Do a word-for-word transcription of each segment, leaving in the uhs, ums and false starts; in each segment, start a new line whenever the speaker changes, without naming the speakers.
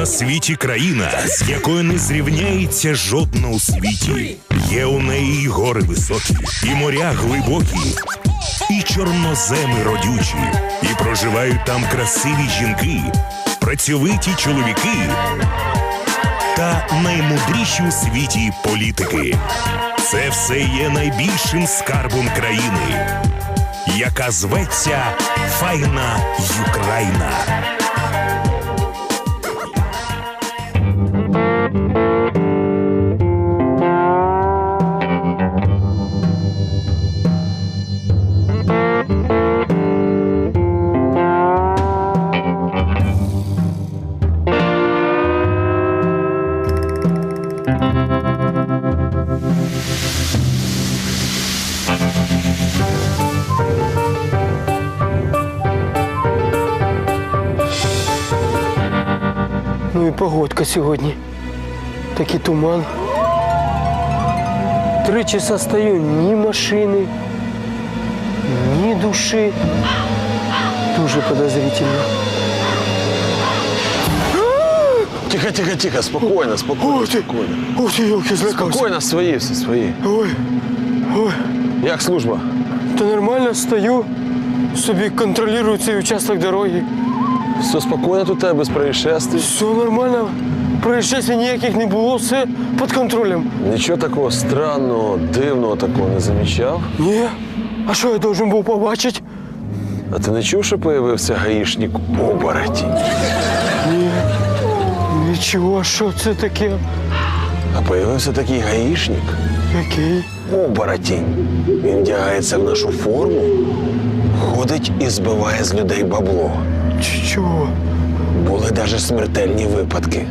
на світі країна, з якою не зрівняється жодна у світі. Є у неї і гори високі, і моря глибокі, і чорноземи родючі, і проживають там красиві жінки, працьовиті чоловіки та наймудріші у світі політики. Це все є найбільшим скарбом країни, яка зветься Файна Юкраїна.
Ну і погодка сьогодні. Такий туман. Три часа стою, ні машини, ні душі. Дуже подозрительно.
Тихо, тихо, тихо, спокойно, спокойно,
Ой, ти,
спокойно.
ой, ти, елки, злякався.
Спокойно, свої все, свої.
Ой, ой,
Як служба?
та нормально стою, собі контролюю цей участок дороги.
Все спокійно тут у тебе, без происшествий?
Все нормально, происшествий ніяких не було, все під контролем.
Нічого такого странного, дивного такого не замічав?
Ні, а що я должен був побачити?
А ти не чув, що появився гаїшник оборотень?
Ні, нічого, що це таке?
А появився такий гаїшник,
Який?
оборотень. Він вдягається в нашу форму, ходить і збиває з людей бабло.
Ч- Чого?
Були навіть смертельні випадки.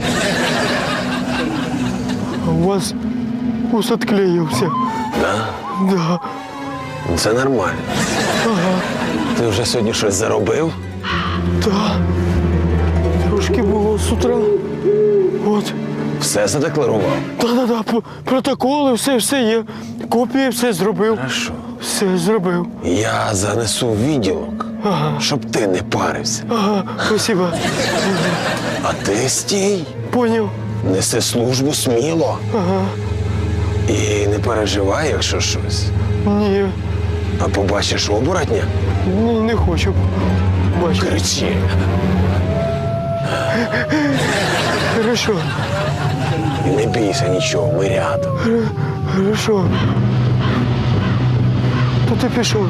А у вас ус отклеївся.
Да?
Да.
Це нормально.
Ага.
Ти вже сьогодні щось заробив?
Да. Трошки було з утра. От.
Все задекларував?
Да-да-да, п- протоколи, все, все є. Копії все зробив.
Хорошо.
Все зробив.
Я занесу в відділок,
Ага.
щоб ти не парився.
Ага, спасибо.
А ти стій,
Поняв.
неси службу сміло.
Ага.
І не переживай, якщо щось.
Ні,
А побачиш оборотня,
ні, не хочу. Бачу.
кричи.
Хорошо,
І не бійся нічого, ми рядом.
хорошо. То ти пішов.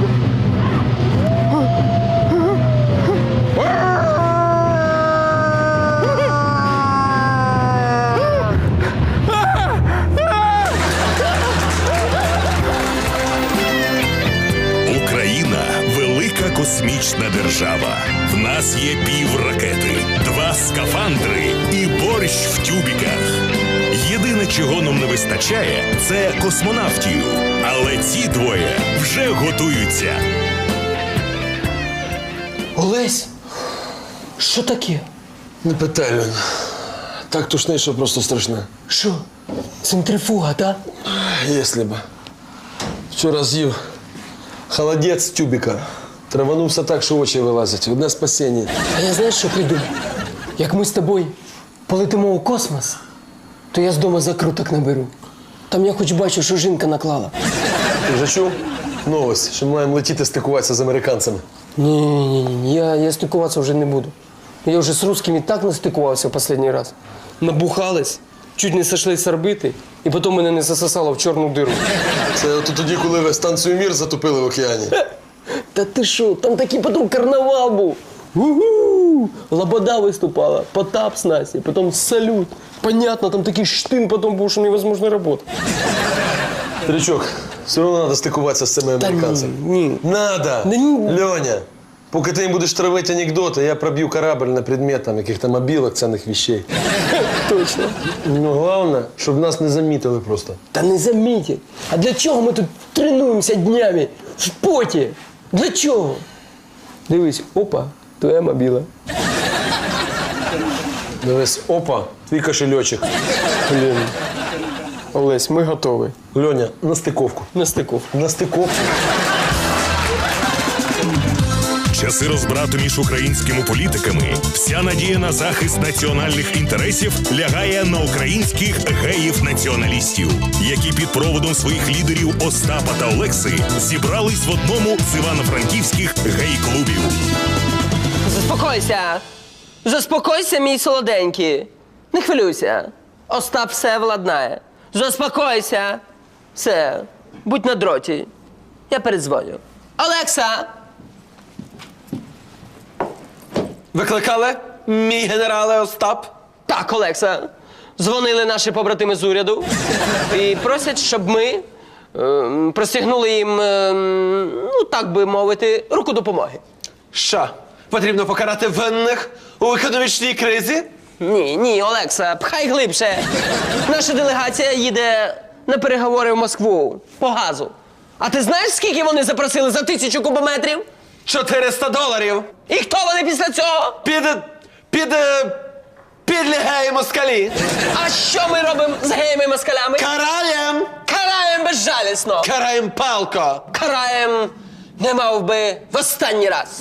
Україна – велика космічна держава. В нас є півракети, два скафандри і борщ в тюбіках. Єдине, чого нам не вистачає – це космонавтів. Але ці двоє вже готуються.
Олесь, що таке?
Не питай, Льон. Так тушне, що просто страшне.
Що? Центрифуга, так?
Якщо б. Вчора з'їв холодець з тюбіка. Траванувся так, що очі вилазять. Одне спасіння.
А я знаєш, що придумав? Як ми з тобою полетимо у космос, то я з дому закруток наберу. Там я хоч бачу, що жінка наклала.
Ти вже чув? Новость, що ми маємо летіти стикуватися з американцями.
Ні-ні-ні, я, я стикуватися вже не буду. Я вже з русскими так настикувався в останній раз. Набухались, чуть не сошли з орбити, і потім мене не засосало в чорну диру.
Це от тоді, коли ви станцію «Мір» затопили в океані.
Та ти що, там такий потім карнавал був. У-ху! Лобода виступала, Потап з Насі, потім салют. Понятно, там такий штин потім був, що невозможно працювати.
Старичок, все одно треба стикуватися з цими американцями.
ні, ні.
Надо!
Да ні.
Льоня, поки ти їм будеш травити анекдоти, я проб'ю корабль на предмет там, яких-то мобілок, цінних вещей.
Точно.
Ну, головне, щоб нас не замітили просто.
Та не замітять. А для чого ми тут тренуємося днями в поті? Для чого? Дивись, опа, твоя мобіла.
Дивись, опа, твій кошельочок.
Блін. Олесь, ми готові.
Льоня, на стиковку.
На стиковку.
На стиковку.
Часи часи розбрату між українськими політиками вся надія на захист національних інтересів лягає на українських геїв-націоналістів, які під проводом своїх лідерів Остапа та Олекси зібрались в одному з івано-франківських гей-клубів.
Заспокойся! Заспокойся, мій солоденький. Не хвилюйся. Остап все владнає. Заспокойся. Все. Будь на дроті. Я передзвоню. Олекса!
Викликали, мій генерале Остап?
Так, Олекса. Дзвонили наші побратими з уряду і просять, щоб ми е, простягнули їм, е, ну так би мовити, руку допомоги.
Що, потрібно покарати винних у економічній кризі?
Ні, ні, Олекса, пхай глибше. Наша делегація їде на переговори в Москву по газу. А ти знаєш, скільки вони запросили за тисячу кубометрів?
чотириста доларів.
І хто вони після цього?
Під... під... е, підлі геї москалі.
А що ми робимо з геями-москалями?
Караєм!
Караємо безжалісно.
Караєм палко.
Караємо, не мав би, в останній раз.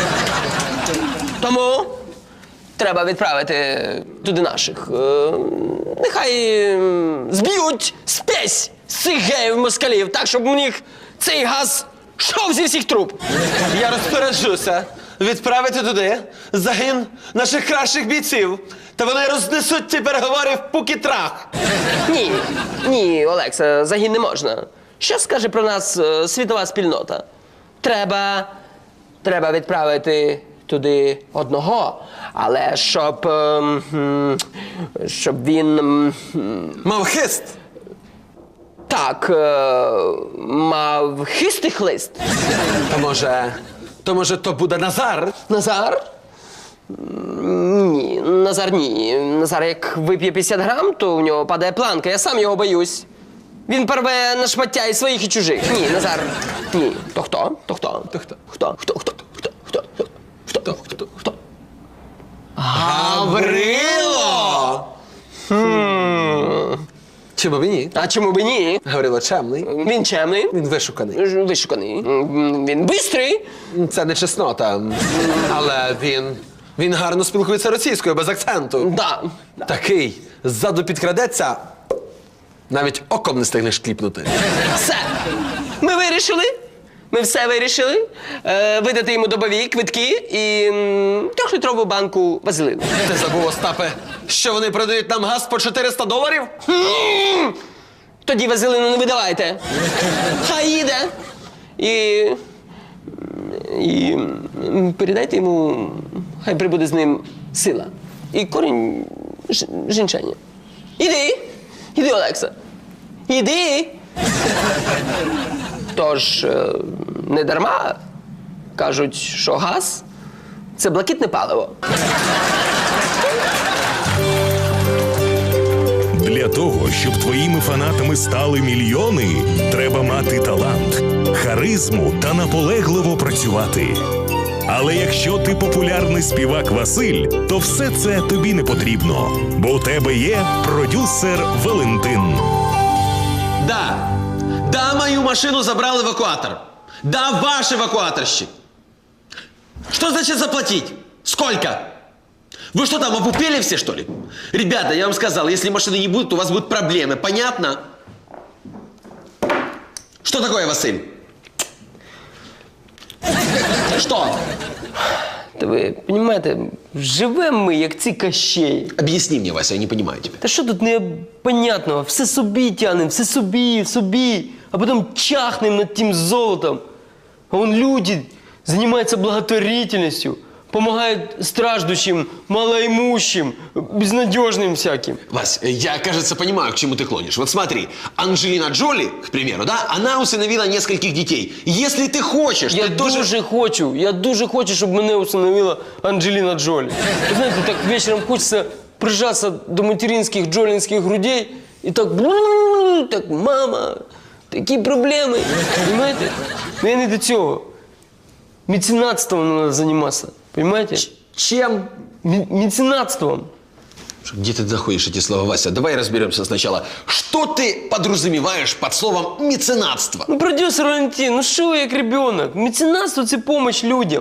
Тому треба відправити туди наших. Е, нехай е, зб'ють спесь з цих геїв-москалів, так, щоб у них цей газ йшов зі всіх труб.
Я розпоряджуся відправити туди загін наших кращих бійців. Та вони рознесуть ці переговори в пукі-трах.
Ні, ні, Олекса, загін не можна. Що скаже про нас е, світова спільнота? Треба, треба відправити туди одного, але щоб, е, м, щоб він, м,
Мав хист.
так, е, мав хистий хлист.
То може... то може то буде Назар?
Назар? М, Ні, Назар ні. Назар як вип'є п'ятдесят грам, то в нього падає планка, я сам його боюсь. Він порве на шмаття і своїх, і чужих. Ні, Назар, ні. То хто? То хто? То хто? Хто? Хто? Хто? Хто? Хто? Хто? Хто? Хто? Хто?
Гаврило! Чому б і ні?
А чому б ні?
Гаврило чемний.
Він чемний,
Він вишуканий.
ж- вишуканий, М, він бистрий.
Це не чеснота. Але він. Він гарно спілкується російською, без акценту.
Да.
Такий ззаду підкрадеться, навіть оком не стигнеш кліпнути.
Все. Ми вирішили. Ми все вирішили. Е, видати йому добові квитки і м, трьохлітрову банку вазелину.
Ти забув, Остапе, що вони продають нам газ по чотириста доларів?
М, Тоді вазелину не видавайте. Хай їде. І, і м, передайте йому, хай прибуде з ним сила. І корінь ж- жінчання. Іди. Іди, Олекса. Іди. Тож, е, не дарма кажуть, що газ – це блакитне паливо.
Для того, щоб твоїми фанатами стали мільйони, треба мати талант, харизму та наполегливо працювати. Але якщо ти популярний співак Василь, то все це тобі не потрібно, бо у тебе є продюсер Валентин.
Да. Да, мою машину забрал эвакуатор. Да, ваш эвакуаторщик. Что значит заплатить? Сколько? Вы что там, опупели все, что ли? Ребята, я вам сказал, если машины не будет, у вас будут проблемы. Понятно? Что такое, Василь? Что?
Та ви розумієте, живемо ми, як ці кащеї.
Объясни мне, Вася, я не понимаю тебя.
Та що тут непонятного? Все собі тянем, все собі, собі, а потім чахнем над тим золотом. А вон люди займаються благотворительністю, допомагають страждущим, малоимущим, безнадежным всяким.
Вась, я, кажется, понимаю, к чему ты клонишь. Вот смотри, Анджелина Джоли, к примеру, да, она усыновила нескольких детей. Если ты хочешь,
Я
ты тоже...
дуже хочу, я дуже хочу, щоб мене усиновила Анджеліна Джолі. Ви знаєте, так вечором хочеться прижатися до материнських джолінських грудей і так, бру, так, мама, такі проблеми. Понимаете? Ну я не до цього. Меценатством треба займатися. Понимаете?
Чем?
М- меценатством.
Где ты находишь эти слова, Вася? Давай разберемся сначала. Что ты подразумеваешь под словом меценатство?
Ну, продюсер Валентин, ну що ви як ребенок? Меценатство – це допомога людям.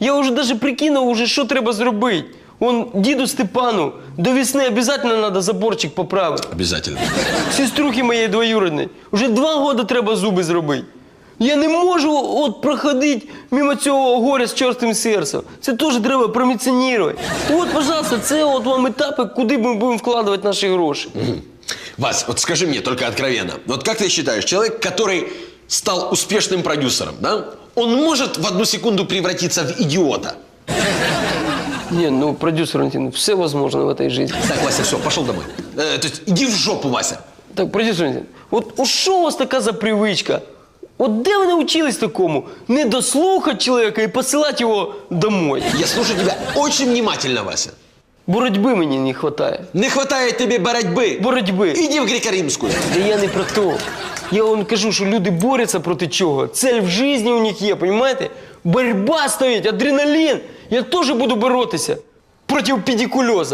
Я вже навіть прикинув, уже, що треба зробити. Он діду Степану до весни обов'язково треба заборчик поправити.
Обязательно.
Сеструхи моєї двоюрідної. Уже два роки треба зуби зробити. Я не можу от проходити мимо цього горя з чорстим серцем. Це теж треба проміціонувати. От, пожалуйста, це от вам етапи, куди ми будемо вкладувати наші гроші.
Вась, вот скажи мне только откровенно, вот как ты считаешь, человек, который стал успешным продюсером, да, он может в одну секунду превратиться в идиота?
Ні, ну, продюсер Валентин, все возможно в этой жизни.
Так, Вася, все, пошел домой. Э, то есть иди в жопу, Вася.
Так, продюсер Валентин, от у що у вас така за привичка? От де ви навчились такому? Не дослухати чоловіка і посилати його домой.
Я слушаю тебя очень внимательно, Вася.
Боротьби мені не вистачає.
Не хватает тебе боротьбы.
Боротьби.
Иди в греко-римскую.
Да я не про то. Я вам кажу, що люди борються проти чого. Цель в житті у них є, розумієте? Боротьба стоїть, адреналін. Я теж буду боротися проти педикульоза.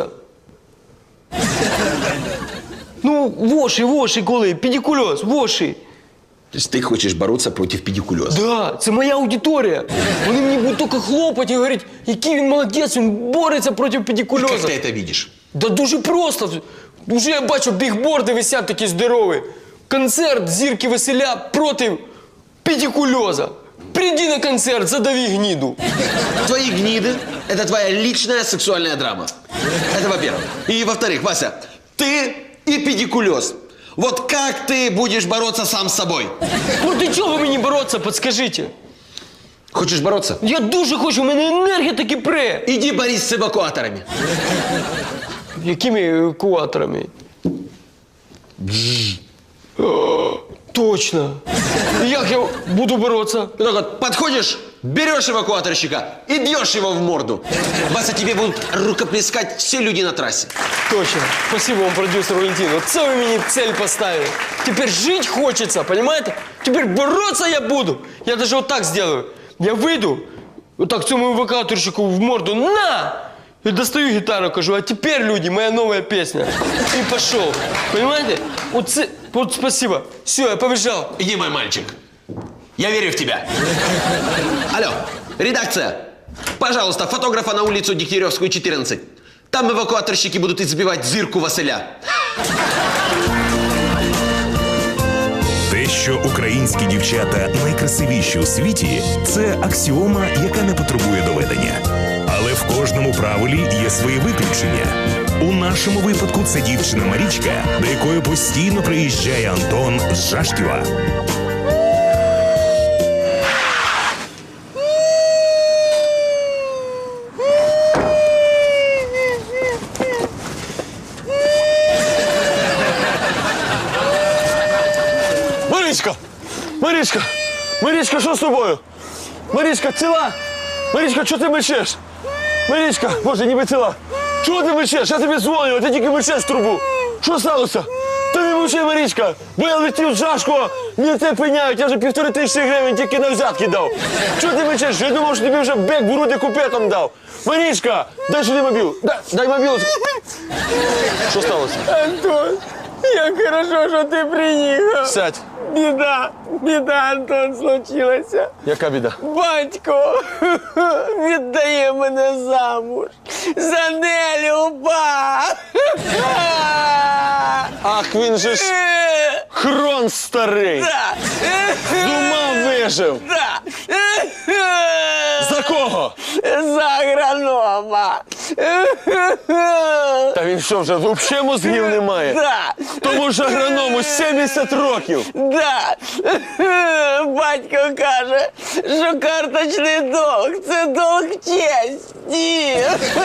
Ну, воші, воші, коли, педикульоз, воші.
То есть ты хочешь бороться против педикулеза?
Да, це моя аудиторія. Вони мені будуть тільки хлопати і говорити, який він молодець, він бореться проти
Как
педикульоза.
ты это видишь?
Да дуже просто. Уже я бачу, бігборди висять такі здорові. Концерт зірки веселя проти педикульоза. Приди на концерт, задави гниду.
Твои гниды – это твоя личная сексуальная драма. Это во-первых. И во-вторых, Вася, ты и педикулез. Вот как ты будешь бороться сам с собой?
Проти чого мені боротися, подскажіть?
Хочешь бороться?
Я дуже хочу, у мене енергія таки пре.
Иди борись с эвакуаторами.
Якими евакуаторами? О, точно. І як я буду боротися?
И так вот подходишь, берешь эвакуаторщика и бьешь его в морду. Вася, тебе будут рукоплескать все люди на трассе.
Точно. Спасибо вам, продюсер Валентин. Вот це ви мені цель поставили. Теперь жить хочется, понимаете? Теперь бороться я буду. Я даже вот так сделаю. Я выйду, вот так цьому евакуаторщику в морду на! И достаю гитару, кажу, а теперь, люди, моя новая песня. И пошел. Понимаете? Вот, це, вот спасибо. Все, я побежал.
Иди, мой мальчик. Я верю в тебя. Алло, редакция. Пожалуйста, фотографа на улицу Дегтяревскую, четырнадцать. Там эвакуаторщики будут избивать зирку Василя.
Те, що українські дівчата найкрасивіші у світі, це аксіома, яка не потребує доведення. Але в кожному правилі є свої виключення. У нашому випадку це дівчина Марічка, до якої постійно приїжджає Антон з Жашківа.
Марічка! Марічка! Марічка, що з тобою? Марічка, ціла? Марічка, чого ти мечеш? Марічка, боже, ніби ціла. Чого ти мечеш? Я тобі дзвоню, а ти тільки мечеш в трубу. Що сталося? Ти не мовчи, Марічка, бо я летів з Жашкова, мені це пиняють, я вже півтори тисячі гривень тільки на взятки дав. Чого ти мечеш? Я думав, що тобі вже бек в груди купетом дав. Марічка, дай сюди мобіл. Дай, дай мобіл. Що сталося?
Антон, як хорошо, що ти приїхав.
Сядь.
Біда, біда, Антон, случилася.
Яка біда?
Батько віддає мене замуж за Нелюба.
Ах, він же ж хрон старий. З ума вижив. За кого?
За агронома.
Та він що, вже взагалі мозгів немає?
Да.
Тому ж агроному сімдесят років.
Да. Батько каже, що карточний долг – це долг честі.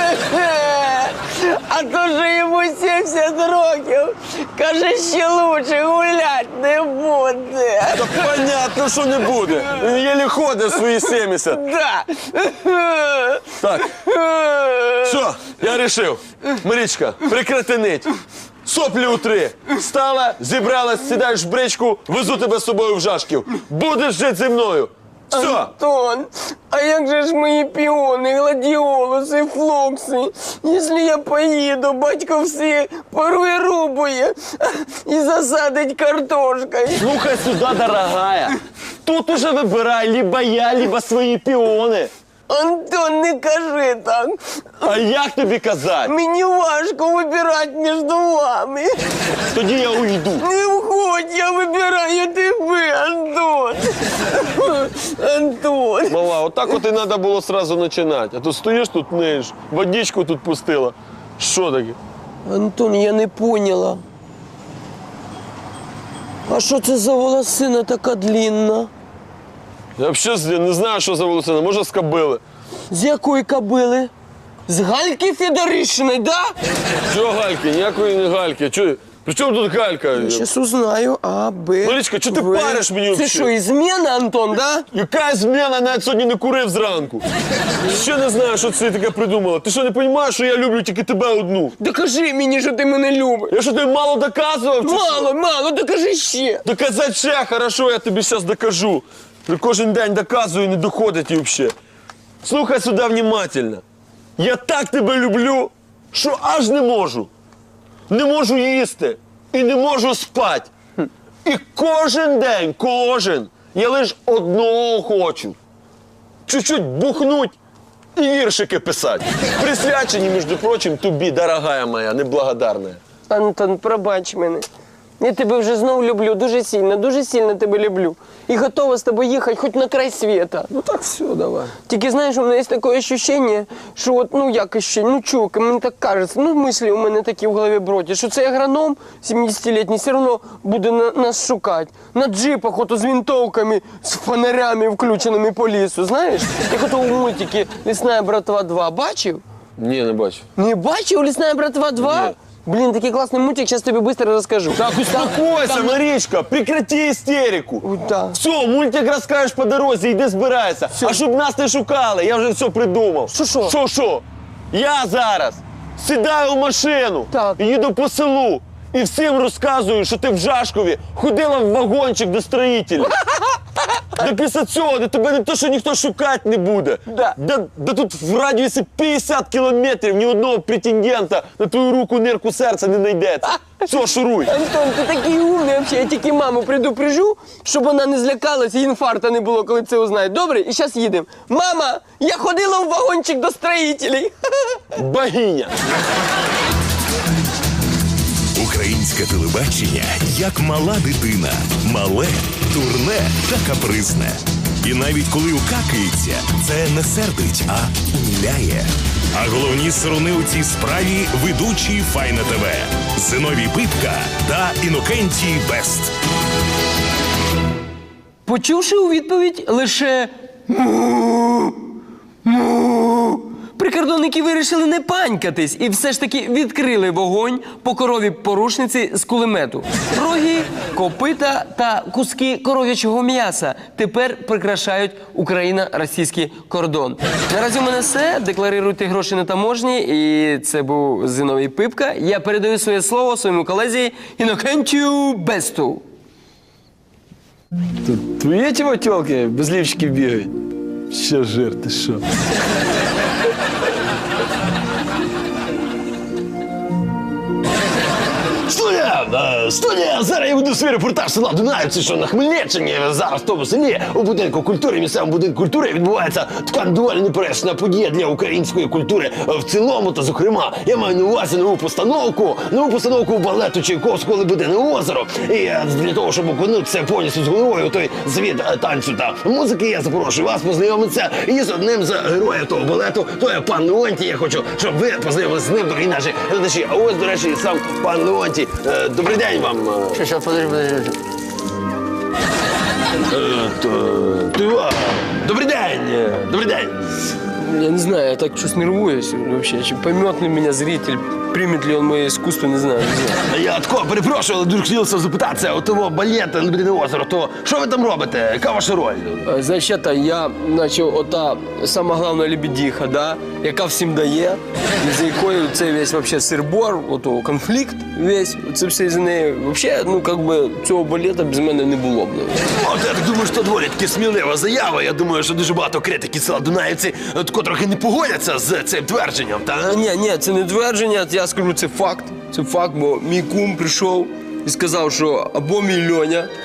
А то, що йому сімдесят років, каже, ще лучше гулять не буде.
Та понятно, що не буде. Він єлі ходить свої сімдесят.
Да.
Так, все, я рішив. Марічка, прекрати нить. Соплі утри. Встала, зібралась, сідаєш в бричку, везу тебе з собою в Жашків. Будеш жити зі мною. Все.
Антон, а як же ж мої піони, гладіолуси, флокси? Якщо я поїду, батько все порує рубує і засадить картошкою.
Слухай сюди, дорогая. Тут уже вибирай, либо я, либо свої піони.
Антон, не кажи так.
А як тобі казати?
Мені важко вибирати між вами.
Тоді я уйду.
Не входь, я вибираю тебе, Антон. Антон.
Мала, отак от і треба було сразу починати. А то стоїш тут, ниєш, водичку тут пустила. Що таке?
Антон, я не поняла. А що це за волосина така длінна?
Я взагалі не знаю, що за волосина. Може, з кобили.
З якої кобили? З Гальки Федоришиної, да?
Чого гальки? Ніякої не гальки. Чого? При чому тут галька?
Сейчас узнаю. А, Б.
Марічка, чого ти
В.
париш мені
Це
взагалі?
що, ізмена, Антон, да?
Яка зміна? Навіть сьогодні не курив зранку. Ще не знаю, що це таке придумала. Ти що, не розумієш, що я люблю тільки тебе одну?
Докажи мені, що ти мене любиш.
Я що, тобі мало доказував? чи що?
Мало, мало, докажи ще.
Доказати ще, хорошо, я тобі зараз докажу. Ти кожен день доказую і не доходить і взагалі. Слухай сюди внимательно. Я так тебе люблю, що аж не можу. Не можу їсти і не можу спати. І кожен день, кожен, я лише одного хочу. Чуть-чуть бухнуть і віршики писати. Присвячені, між прочим, тобі, дорогая моя, неблагодарна.
Антон, пробач мене. Я тебе вже знову люблю, дуже сильно, дуже сильно тебе люблю. І готова з тобою їхати хоч на край світа.
Ну так все, давай.
Тільки знаєш, у мене є таке відчуття, що от, ну як ще, ну чук, мені так кажеться, ну мислі у мене такі в голові бродять, що цей агроном сімдесятилітній все одно буде на, нас шукати. На джипах, ото з винтовками, з фонарями включеними по лісу, знаєш? Як ото у мультики «Лісна братва два» бачив?
Ні, не бачу.
Не бачив «Лісна братва два»?
Ні.
Блин, такий класний мультик, зараз тобі швидко розкажу.
Так, успокойся, Марічка, прекрати істерику.
Ой, да.
Все, мультик розкажеш по дорозі, йди збирайся. А щоб нас не шукали, я вже все придумав.
Що, що?
Що, що? Я зараз сідаю в машину,
Так.
їду по селу і всім розказую, що ти в Жашкові ходила в вагончик до строїтелів. Да після цього де тебе не то, що ніхто шукати не буде.
Да.
Да, да тут в радіусі п'ятдесят кілометрів ні одного претендента на твою руку нирку серця не знайдеться. Все, шуруй.
Антон, ти такий умний взагалі. Я тільки маму предупрежу, щоб вона не злякалась і інфаркта не було, коли це узнає. Добре? І зараз їдемо. Мама, я ходила в вагончик до строїтелей.
Богиня.
Українське телебачення як мала дитина. Мале, дурне та капризне. І навіть коли укакається, це не сердить, а умиляє. А головні сторони у цій справі ведучі Файна ТВ. Зиновій Пипка та Інокентій Бест.
Почувши у відповідь лише «му, му», прикордонники вирішили не панькатись і все ж таки відкрили вогонь по корові порушниці з кулемету. Роги, копита та куски коров'ячого м'яса тепер прикрашають Україно-російський кордон. Наразі у мене все. Декларуйте гроші на таможні. І це був Зиновій Пипка. Я передаю своє слово своєму колезі Інокентію Бесту.
Тут твої ті тілки без лівчиків бігають? Ще жир, ти що?
Студія! Е, Студія! Зараз я веду свій репортаж села Дунаївці, що на Хмельниччині. Зараз в тому селі у будинку культури, місцевому будинку культури відбувається така доволі непересна подія для української культури в цілому. Та, зокрема, я маю на увазі нову постановку, нову постановку балету Чайковського «Лебедине озеро». І е, для того, щоб окунутися повністю з головою у той звіт е, танцю та музики, я запрошую вас познайомитися із одним з героїв того балету. То є пан Леонтій. Я хочу, щоб ви познайомилися з ним, дорогі наші глядачі. А ось, до речі, і сам пан Леонтій. Е, Добрий день вам.
Що, що, подожди, подожди.
Е, то- то- Добрий день. е, Добрий день.
Я не знаю, я так щось нервуюсь вообще. Чи поймет ли меня зритель, примет ли он мое искусство, не знаю. Не знаю.
Я тако перепрошую, але дуже хотілося запитатися, от того балет «Лебедине озеро», то що ви там робите? Яка ваша роль?
Е, Значить, это, я начав ота сама головна лебедиха, да, яка всім дає, і за якою це весь вообще сир-бор, ото конфлікт весь, це все з неї. Вообще, ну, как би, цього балета без мене не було б. ну.
От я так думаю, що доволі таки смілива заява. Я думаю, що дуже багато критиків села Дунаївці е, тако трохи не погодяться з цим твердженням, та?
Ні, ні, це не твердження, я скажу, це факт. Це факт, бо мій кум прийшов і сказав, що або мій Льоня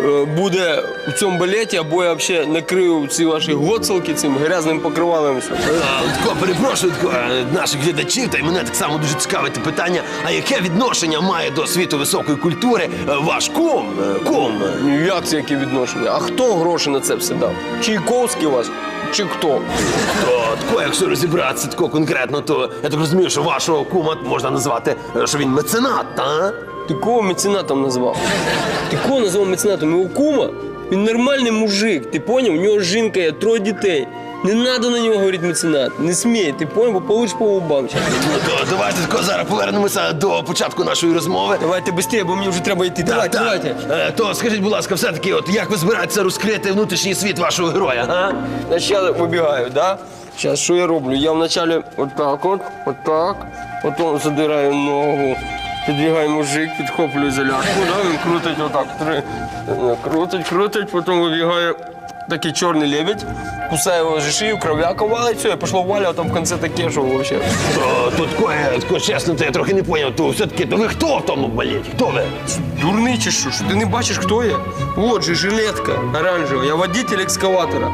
е, буде у цьому балеті, або я взагалі накрию ці ваші гоцелки цим грязним покривалом. все.
А, Тако, перепрошую тако, е, наших глядачів, та й мене так само дуже цікавить питання, а яке відношення має до світу високої культури е, ваш кум? Е, Кум?
Ну як це яке відношення? А хто гроші на це все дав? Чайковський вас? Чи хто?
То, тако, якщо розібратися тако конкретно, то я так розумію, що вашого кума можна назвати, е, що він меценат, та?
Ти кого меценатом назвав? Ти кого назвав меценатом? Його кума? Він нормальний мужик, ти поняв? У нього жінка є, троє дітей. Не треба на нього говорити меценат. Не смій, ти поняв, бо получиш по губам.
Ну, то давайте тако зараз повернемося до початку нашої розмови.
Давайте швидше, бо мені вже треба йти. Давайте,
Так,
давайте.
Е, То скажіть, будь ласка, все-таки, от як ви збираєтеся розкрити внутрішній світ вашого героя, а?
Значить, я вибігаю, да? Зараз, що я роблю? Я вначале отак от, отак, потім задираю ногу, підбігає мужик, підхоплюю залядку, да? Він крутить отак, три, крутить, крутить, потім вибігає такий чорний лебедь, кусає його за шию, кров'яка валить, все, я пішло валя, а там в кінці таке, що взагалі.
То, то тако, я, тако, чесно, то я трохи не зрозумів, то все-таки, то ви хто в тому балеті? Хто ви?
Дурний чи що? Що ти не бачиш, хто я? От же жилетка оранжева, я водитель екскаватора.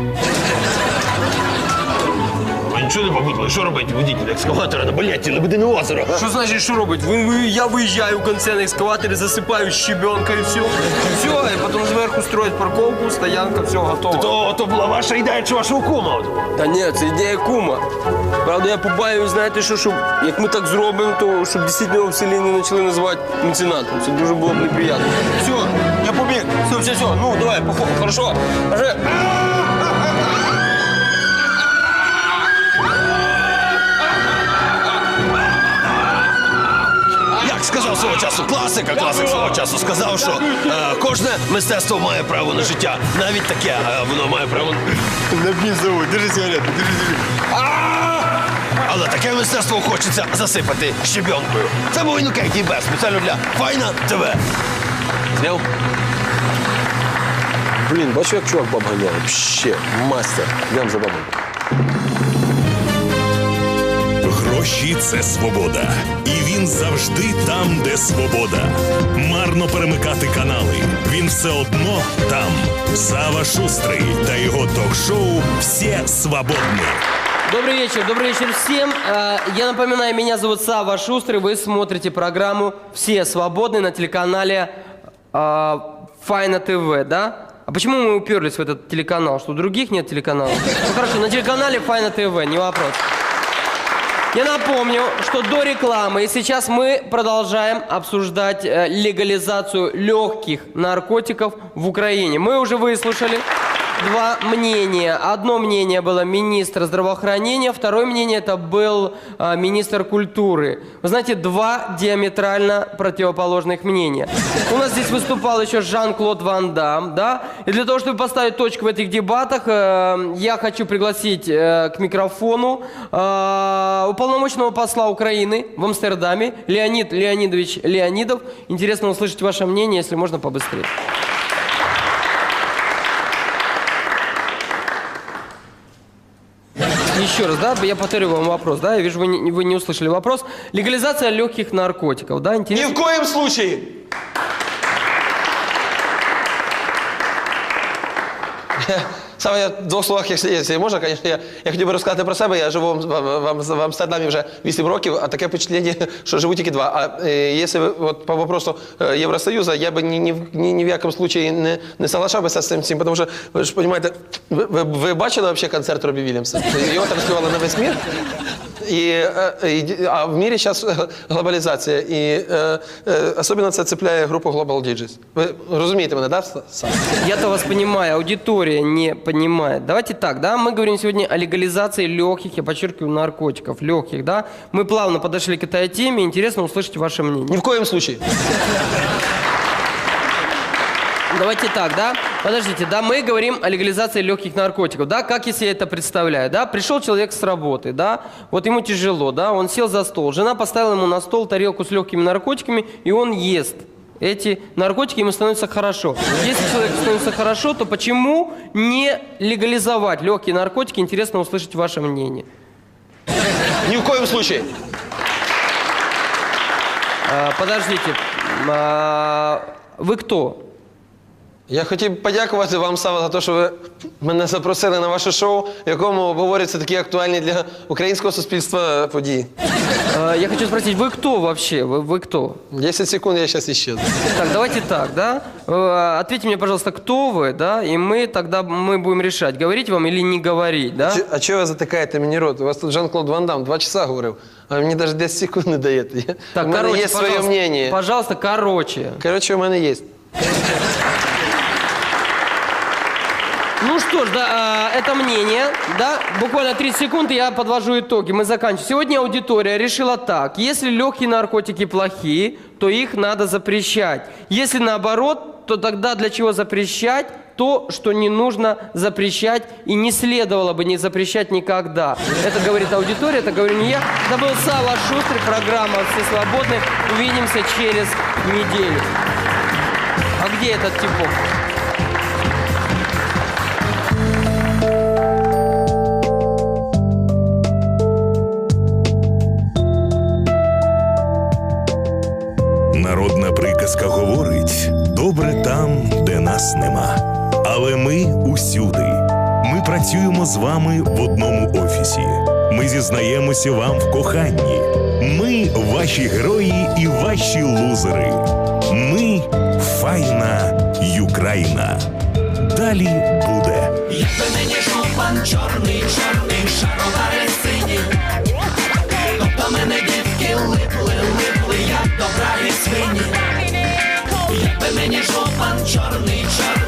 Ви нічого не побудили, що робить водитель екскаватора на балеті Лебедине озеро?
Що значить, що робить? Ви- ви- Я виїжджаю в кінці на екскаваторі, засипаю щебенка і все. І все, і потім зверху строять парковку, стоянка, все, готово.
То, то була ваша ідея чи вашого кума? от?
Та ні, це ідея кума. Правда, я побаюсь, знаєте що, щоб як ми так зробимо, то щоб дійсно його в селі не почали називати меценатом. Це дуже було б неприємно. Все, я побіг. Все, все, все. Ну, давай, походу, хорошо. Вже.
Як сказав свого часу класика, класик свого часу сказав, що е, кожне мистецтво має право на життя. Навіть таке, е, воно має право.
Напій зовут, держи сигарету, держи, держи.
Але таке мистецтво хочеться засипати щебенкою. Це був Інокентій Тібе, спеціально для Файна ТВ. Зняв?
Блін, бачу, як чувак баб ганяє. Ще, мастер. Йдем за бабою.
Гроші це свобода. І він завжди там, де свобода. Марно перемикати канали. Він все одно там. Сава Шустрий та його ток-шоу «Всі свободні».
Добрый вечер, добрый вечер всем. Э, Я напоминаю, меня зовут Сава Шустрый. Вы смотрите программу «Все свободны» на телеканале э, Файна ТВ, да? А почему мы уперлись в этот телеканал? Что у других нет телеканалов? Ну хорошо, на телеканале Файна ТВ, не вопрос. Я напомню, что до рекламы и сейчас мы продолжаем обсуждать э, легализацию легких наркотиков в Украине. Мы уже выслушали два мнения. Одно мнение было министра здравоохранения, второе мнение это был э, министр культуры. Вы знаете, два диаметрально противоположных мнения. У нас здесь выступал еще Жан-Клод Ван Дам, да? И для того, чтобы поставить точку в этих дебатах, э, я хочу пригласить э, к микрофону э, уполномоченного посла Украины в Амстердаме Леонид Леонидович Леонидов. Интересно услышать ваше мнение, если можно побыстрее. Еще раз, да, я повторю вам вопрос, да, я вижу, вы не, вы не услышали вопрос. Легализация легких наркотиков, да,
Ні
интересно?
в коїм случаї. Саме я в двох словах, якщо, якщо можна, звісно, я, я хотів би розказати про себе. Я живу в, в, в, в Амстердамі вже вісім років, а таке впечатлення, що живу тільки два. А е, якщо от, по вопросу е, Євросоюзу, я би ні, ні, в- ні, ні в якому случаї не, не соглашався з цим всім, тому що, ви ж розумієте, ви, ви, ви бачили взагалі концерт Робі Вільямса? Його транслювали на весь мір. І, е, і, а в мірі зараз глобалізація, і е, е, особливо це цепляє групу Global Digits. Ви розумієте мене, так? Да?
Я-то вас понимаю, аудитория не понимает. Давайте так, да, мы говорим сегодня о легализации легких, я подчеркиваю, наркотиков, легких, да. Мы плавно подошли к этой теме, интересно услышать ваше мнение.
Ні в коєму случаї.
Давайте так, да? Подождите, да, мы говорим о легализации легких наркотиков, да? Как я себе это представляю, да? Пришел человек с работы, да? Вот ему тяжело, да? Он сел за стол, жена поставила ему на стол тарелку с легкими наркотиками, и он ест эти наркотики, ему становится хорошо. Если человеку становится хорошо, то почему не легализовать легкие наркотики? Интересно услышать ваше мнение.
Ні в коєму случаї.
А, подождите, а, вы кто?
Я хотів подякувати вам, Сава, за те, що ви мене запросили на ваше шоу, в якому обговорюються такі актуальні для українського суспільства події.
Э, Я хочу спросить, вы кто вообще? Вы, вы кто?
десять секунд, я зараз исчезну.
Так, давайте так, да? Э, Ответьте мне, пожалуйста, кто вы, да? И мы тогда мы будем решать, говорить вам или не говорить, да?
Чи- А чого ви затикаєте мені рот? У вас тут Жан-Клод Ван Дам два часа говорив, а ви мені навіть десять секунд не даєте. Я-
Так,
у мене
короче,
є своє
пожалуйста,
мнение.
пожалуйста, короче.
Коротше, у мене є.
Ну что ж, да, а, это мнение, да, буквально тридцать секунд, и я подвожу итоги, мы заканчиваем. Сегодня аудитория решила так: если легкие наркотики плохие, то их надо запрещать. Если наоборот, то тогда для чего запрещать то, что не нужно запрещать и не следовало бы не запрещать никогда. Это говорит аудитория, это говорю не я. Это был Сава Шустрый, программа «Все свободны». Увидимся через неделю. А где этот типок?
Народна приказка говорить: добре там, де нас нема. Але ми усюди. Ми працюємо з вами в одному офісі. Ми зізнаємося вам в коханні. Ми ваші герої і ваші лузери. Ми файна Юкраїна. Далі буде.
Якби мені жупан чорний, чорний, шаровари сині, тобто мене дітки липли, липли, як до браги свині. Якби мені жупан чорний, чорний,